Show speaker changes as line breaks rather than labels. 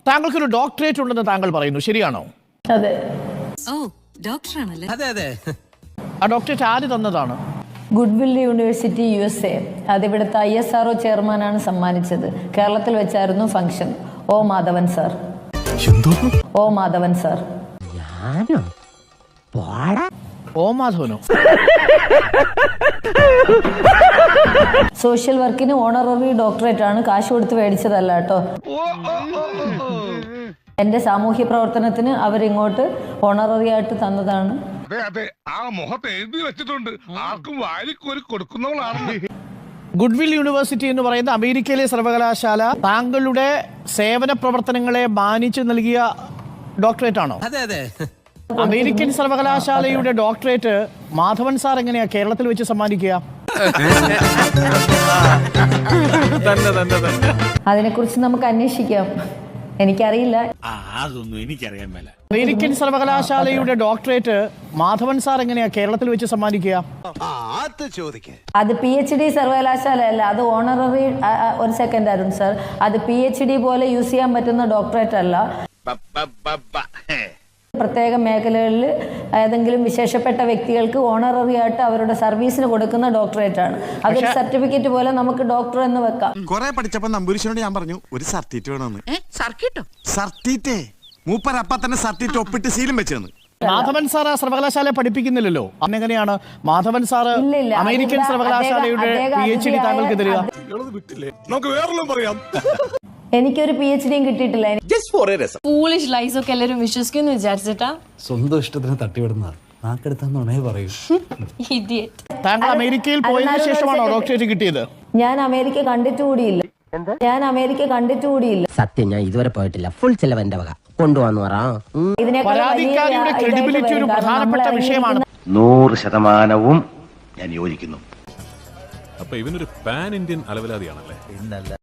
താങ്കൾക്കൊരു doctorate ഉണ്ടെന്ന് താങ്കൾ പറയുന്നു, ശരിയാണോ?
അതെ.
ഓ, ഡോക്ടറാണല്ലേ?
അതെ അതെ.
ആ ഡോക്ടറേറ്റ് ആര് തന്നതാണ്?
Goodwill university USA. അതിവിടുത്തെ ISRO ചെയർമാനാണ് സമ്മാനിച്ചത്. കേരളത്തിൽ വെച്ചായിരുന്നു ഫംഗ്ഷൻ. ഓ മാധവൻ സാർ. ഓ മാധവൻ സാർ.
ഓ മാധവനോ?
സോഷ്യൽ വർക്കിന് ഓണററി ഡോക്ടറേറ്റ് ആണ്, കാശ് കൊടുത്ത് മേടിച്ചതല്ല കേട്ടോ. എന്റെ സാമൂഹ്യ പ്രവർത്തനത്തിന് അവരിങ്ങോട്ട് ഓണററി ആയിട്ട് തന്നതാണ്.
ഗുഡ്വിൽ യൂണിവേഴ്സിറ്റി എന്ന് പറയുന്ന അമേരിക്കയിലെ സർവകലാശാല താങ്കളുടെ സേവന പ്രവർത്തനങ്ങളെ മാനിച്ചു നൽകിയ ഡോക്ടറേറ്റ് ആണോ?
അതെ അതെ.
അമേരിക്കൻ സർവകലാശാലയുടെ ഡോക്ടറേറ്റ് മാധവൻ സാർ എങ്ങനെയാ കേരളത്തിൽ വെച്ച് സമ്മാനിക്കുക?
അതിനെക്കുറിച്ച് നമുക്ക് അന്വേഷിക്കാം. എനിക്കറിയില്ല.
അതൊന്നും എനിക്കറിയാൻ മേല.
അമേരിക്കൻ സർവകലാശാലയുടെ ഡോക്ടറേറ്റ് മാധവൻ സാർ എങ്ങനെയാ കേരളത്തിൽ വെച്ച് സമ്മാനിക്കുക?
അത് PhD സർവകലാശാല അല്ല, അത് ഓണററി. ഒരു സെക്കൻഡ് അരുൺ സാർ, അത് PhD പോലെ യൂസ് ചെയ്യാൻ പറ്റുന്ന ഡോക്ടറേറ്റ് അല്ല. പ്രത്യേക മേഖലകളിൽ ഏതെങ്കിലും വിശേഷപ്പെട്ട വ്യക്തികൾക്ക് ഓണററി ആയിട്ട് അവരുടെ സർവീസിന് കൊടുക്കുന്ന ഡോക്ടറേറ്റ് ആണ്. അതൊരു സർട്ടിഫിക്കറ്റ് പോലെ നമുക്ക് ഡോക്ടർ എന്ന് വെക്കാം.
കുറെ പഠിച്ചപ്പോ നമ്പൂരിശനോട് ഞാൻ പറഞ്ഞു ഒരു സർട്ടിറ്റ് വേണമെന്ന്. സർട്ടിറ്റേ മൂപ്പരപ്പ തന്നെ സർട്ടിറ്റ് ഒപ്പിട്ട് സീലും വെച്ചെന്ന്.
മാധവൻ സാർ ആ സർവകലാശാല പഠിപ്പിക്കുന്നില്ലല്ലോ. അന്നെങ്ങനെയാണ് മാധവൻ സാർ അമേരിക്കൻ സർവകലാശാലയുടെ PhD താങ്കൾക്ക് തരിക?
എനിക്കൊരു PhD കിട്ടിയിട്ടില്ല.
ഫൂളിഷ് ലൈസ് ഒക്കെ എല്ലാവരും വിശ്വസിക്കുന്നു വിചാരിച്ചിട്ടാ.
സ്വന്തം ഇഷ്ടത്തിന് തട്ടിവിടുന്നതാണ്. നാക്കെടുത്താന്നുണേ പറയൂ.
താങ്കൾ അമേരിക്കയിൽ പോയതിനു ശേഷമാണോ ഡോക്ടറേറ്റ് കിട്ടിയത്?
ഞാൻ അമേരിക്ക കണ്ടിട്ടുകൂടിയില്ല.
സത്യം, ഞാൻ ഇതുവരെ പോയിട്ടില്ല. ഫുൾ ചെലവന്റെ വക കൊണ്ടുവന്നു പറ.
പരാതിക്കാരിയുടെ ക്രെഡിബിലിറ്റി ഒരു പ്രധാനപ്പെട്ട വിഷയമാണ്.
100% ഞാൻ യോജിക്കുന്നു.
അപ്പൊ ഇവനൊരു പാൻ ഇന്ത്യൻ അലവലാതിയാണല്ലേ?